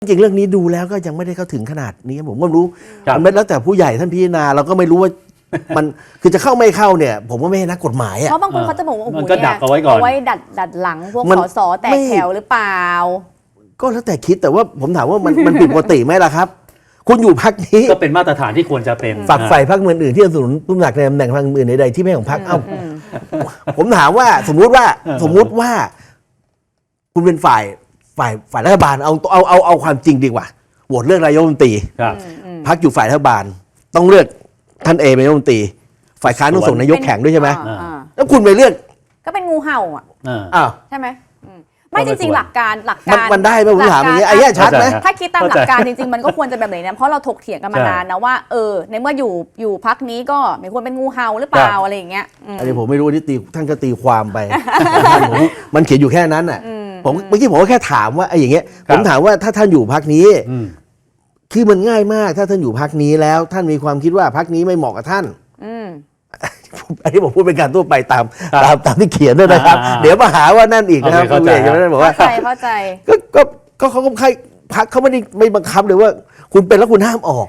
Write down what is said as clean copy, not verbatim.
จริงเรื่องนี้ดูแล้วก็ยังไม่ได้เข้าถึงขนาดนี้ผมก็รู้ครับมันแล้วแต่ผู้ใหญ่ท่านพิจารณาเราก็ไม่รู้ว่า มันคือจะเข้าไม่เข้าเนี่ย ผมก็ไม่ใช่นักกฎหมายเพอ่ะราะบางคนเขาจะบอกว่าโอ้โหมันก็ดักเอาไว้ก่อนเอาไว้ดัดหลังพวกมันส.ส.แตกไม่แถวหรือเปล่าก็แล้วแต่คิดแต่ว่าผมถามว่ามันผิดปกติไหมล่ะครับ คุณอยู่พรรคนี้ก็เป็นมาตรฐานที่ควรจะเป็นฝักใฝ่พรรคอื่นๆที่สนับสนุนผู้สมัครในตำแหน่งพรรคอื่นใดๆที่ไม่ของพรรคเอ้าผมถามว่าสมมุติว่าคุณเป็นฝ่ายรัฐบาลเอาความจริงดีกว่าโหวตเลือกนายกรัฐมนตรีครับพรรคอยู่ฝ่ายรัฐบาลต้องเลือกท่านเอเป็นนายกรัฐมนตรีฝ่ายค้านต้องส่งนายกแข่งด้วยใช่ไหมอ่าแล้วคุณไปเลือกก็เป็นงูเห่าอ่ะอ้าวใช่ไหมไม่ก็จไม่ริงควรๆหลักการมันได้ไหมผมถามอย่างเงี้ยไอ้เนี้ยชัดไหมถ้าคิดตามหลักการจริงๆมันก็ควรจะแบบไหนนะเพราะเราถกเถียงกันมานานนะว่าในเมื่ออยู่พักนี้ก็ไม่ควรเป็นงูเห่าหรือเปล่าอะไรอย่างเงี้ยอันนี้ผมไม่รู้ที่ท่านก็ตีความไป มันเขียนอยู่แค่นั้นน่ะผมเมื่อกี้ผมก็แค่ถามว่าไอ้อย่างเงี้ยครัผบมถามว่าถ้าท่านอยู่พรรคนี้อืมคือมันง่ายมากถ้าท่านอยู่พรรคนี้แล้ว ท่านมีความคิดว่าพรรคนี้ไม่เหมาะกับท่าน อันนี้ผมพูดเป็นการทั่วไปตามที่เขียนด้วยนะครับ เดี๋ยวมาหาว่านั่นอีกนะครับเข้าใจคุณเอกบอกว่าเข้าใจก็เขาก็ใครพรรคเขาไม่ได้ไม่บังคับเลยว่า คุณเป็นแล้วคุณห้ามออก